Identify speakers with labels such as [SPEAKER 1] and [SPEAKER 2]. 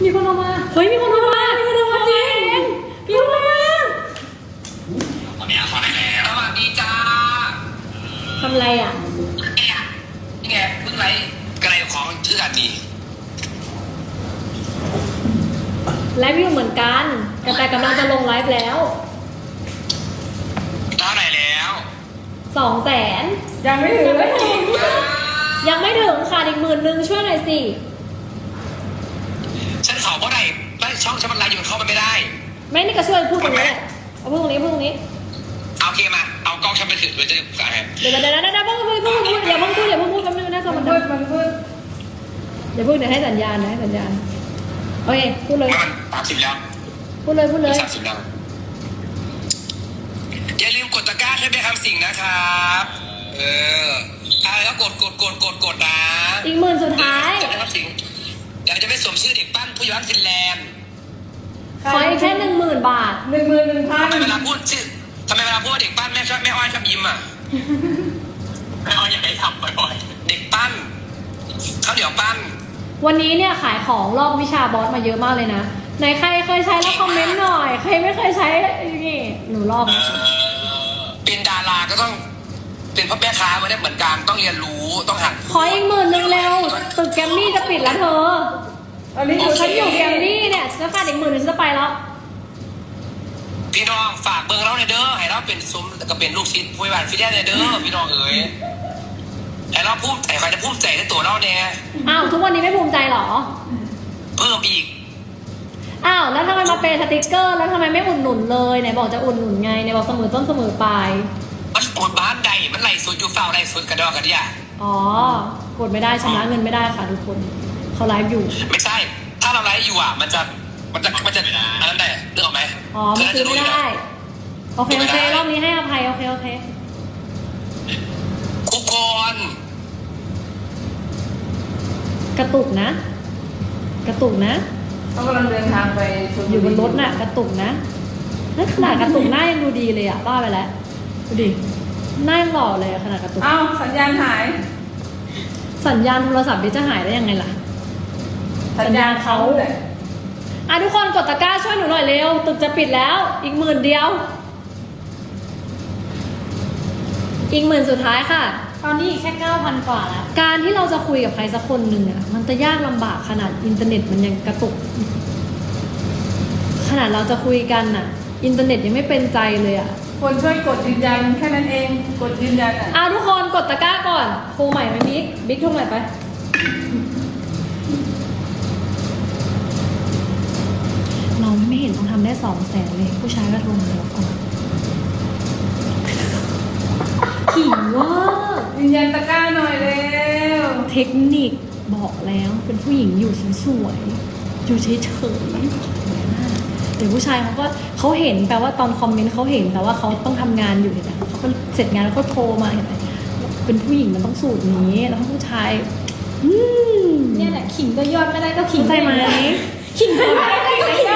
[SPEAKER 1] มีคนโทรมาเฮ้ยมีคนโทรมาจริงมีคนโทรมา
[SPEAKER 2] ตอนนี้ขอได้แล้วสวัสดีจ้า
[SPEAKER 1] ทำไรอ่ะ
[SPEAKER 2] นี่ไงเพิ่งไรกระไรของชื่อกันดี
[SPEAKER 1] ไลฟ์อยู่เหมือนกันแต่กำลังจะลงไลฟ์แล้ว
[SPEAKER 2] เท่าไหร่แล้ว
[SPEAKER 1] 200,000
[SPEAKER 3] ยังไม่ถึงเลย
[SPEAKER 1] ยังไม่ถึงค่ะอีก10,000ช่วยหน่อยสิ
[SPEAKER 2] ฉันขอเพราะไหนช่องฉันมันไลฟ์อยู่เข้ามันไม่ได้
[SPEAKER 1] ไม่นี่ก็ช่วยพูดตรงนี้แหละเอาพูดตรงนี้พูดตรงนี้
[SPEAKER 2] เอาโอเคมาเอากล้องฉันไปถือเดี๋ยวจะขายให้
[SPEAKER 1] เดี๋ยวอย่าเพิ่งพูดแป๊บนึงน่าจะมัน
[SPEAKER 3] มืดมันมืด
[SPEAKER 1] เดี๋ยวให้สัญญาณโอเคพูดเลย
[SPEAKER 2] มัน30แล้ว
[SPEAKER 1] พูดเลย
[SPEAKER 2] 30แล้วอย่าลืมกดตะกร้าให้ไปทำสิ่งนะครับแล้วกดนะ
[SPEAKER 1] อีก10,000สุดท้าย
[SPEAKER 2] จะไปทำสิ่งเดี๋ยวจะไปสวมชื่อเด็กปั้นผู้ย้อนฟินแลนด์
[SPEAKER 1] ขออีกแค่10,000 บาท
[SPEAKER 3] 11,000
[SPEAKER 2] ทำไมเวลาพูดว่าเด็กปั้นแม่อ้อยชอบยิ้มอ่ะแม่อ้อยอยากให้ทำบ่อยๆเด็กปั้นข้าวเหนียวปั้น
[SPEAKER 1] วันนี้เนี่ยขายของรอบวิชาบอสมาเยอะมากเลยนะไหนใครเคยใช้แล้วคอมเมนต์หน่อยใครไม่เคยใช้นี่หนูรอบนะ
[SPEAKER 2] เป็นดาราก็ต้องเป็นพ่อแม่ค้ามาได้เหมือนกันต้องเรียนรู้ต้องหัด
[SPEAKER 1] ขออีก10,000เร็วตึกแกรมมี่จะปิดแล้วเธอ
[SPEAKER 3] ตอนนี้อยู่
[SPEAKER 1] ฉันอยู่แกรมมี่เนี่ยจะขาดอีก10,000ฉันจะไปแล้ว
[SPEAKER 2] พี่น้องฝากเบอร์เราในเด้อให้เราเป็นซุ้มก็เป็นลูกศิษย์ผู้บริหารฟิแลนซ์ในเด้อพี่น้องเอ๋ยให้เราภูมิใจใครจะภูมิใจในตัวเราเนี่ย
[SPEAKER 1] อ้าวทุกวันนี้ไม่ภูมิใจเหรอ
[SPEAKER 2] เพิ่มอีก
[SPEAKER 1] อ้าวแล้วทำไมมาเป็นสติกเกอร์แล้วทำไมไม่อุดหนุนเลยไหนบอกจะอุดหนุนไงไหนบอกเสมอต้นเสมอปลาย
[SPEAKER 2] มันปวดบ้านใดมันไหลสุดอยู่เฝ้าไหลสุดกระดอกกระเดีย
[SPEAKER 1] อ๋อกดไม่ได้ชำระเงินไม่ได้ค่ะทุกคนเขาไลฟ์อยู่
[SPEAKER 2] ไม่ใช่ ถ้าเราไลฟ์อยู่อ่ะมันจะอันนั้นได้เรื่องออกไหม
[SPEAKER 1] อ๋อมันซื้อไม่ได้โอเครอบนี้ให้อภัยโอเค
[SPEAKER 2] ทุกคน
[SPEAKER 1] กระตุกนะ
[SPEAKER 3] เขากำลังเดินทางไปชลบุรี
[SPEAKER 1] อยู่บนรถน่ะกระตุกนะนั่นขนาดกระตุกหน้ายังดูดีเลยอ่ะบ้าไปแล้วดูดิหน้ายังหล่อเลยอะขนาดกระตุก
[SPEAKER 3] อ้าวสัญญาณหาย
[SPEAKER 1] สัญญาณโทรศัพท์ดิจะหายได้ยังไงล่ะ สัญญาณเขา อ่ะทุกคนกดตะกร้าช่วยหนูหน่อยเร็วตึกจะปิดแล้วอีก10,000เดียวอีก10,000สุดท้ายค่ะ
[SPEAKER 4] ตอนนี้แค่ 9,000 กว่าแล้ว
[SPEAKER 1] การที่เราจะคุยกับใครสักคนหนึ่งอ่ะมันจะยากลำบากขนาดอินเทอร์เน็ตมันยังกระตุก ขนาดเราจะคุยกันอ่ะ อินเทอร์เน็ตยังไม่เป็นใจเลยอ่ะ
[SPEAKER 3] คนช่วยกดยืนยันแค่นั้นเองกดยืนยันอ่ะ
[SPEAKER 1] อ่ะทุกคนกดตะกร้าก่อนโทรใหม่ไหมบิ๊กโทรใหม่ไปเราไม่เห็นต้องทำได้200,000เลยผู้ชายก็โทรมาแล้วก่อนขี่ว่า
[SPEAKER 3] ยืนยันตะกร้าหน่อยเร็ว
[SPEAKER 1] เทคนิคบอกแล้วเป็นผู้หญิงอยู่สวยๆอยู่เฉยๆเดี๋ยวผู้ชายเขาเห็นแปลว่าตอนคอมเมนต์เขาเห็นแต่ว่าเขาต้องทำงานอยู่เห็นไหมเขาก็เสร็จงานแล้วเขาโทรมาเห็นไหมเป็นผู้หญิงมันต้องสูตรนี้แล้วผู้ชาย
[SPEAKER 4] เนี่ยแหละขิงก็ยอดไม่ได้ก็ขิง
[SPEAKER 1] เข้าใจไหม
[SPEAKER 4] ขิงก็ไม่ได้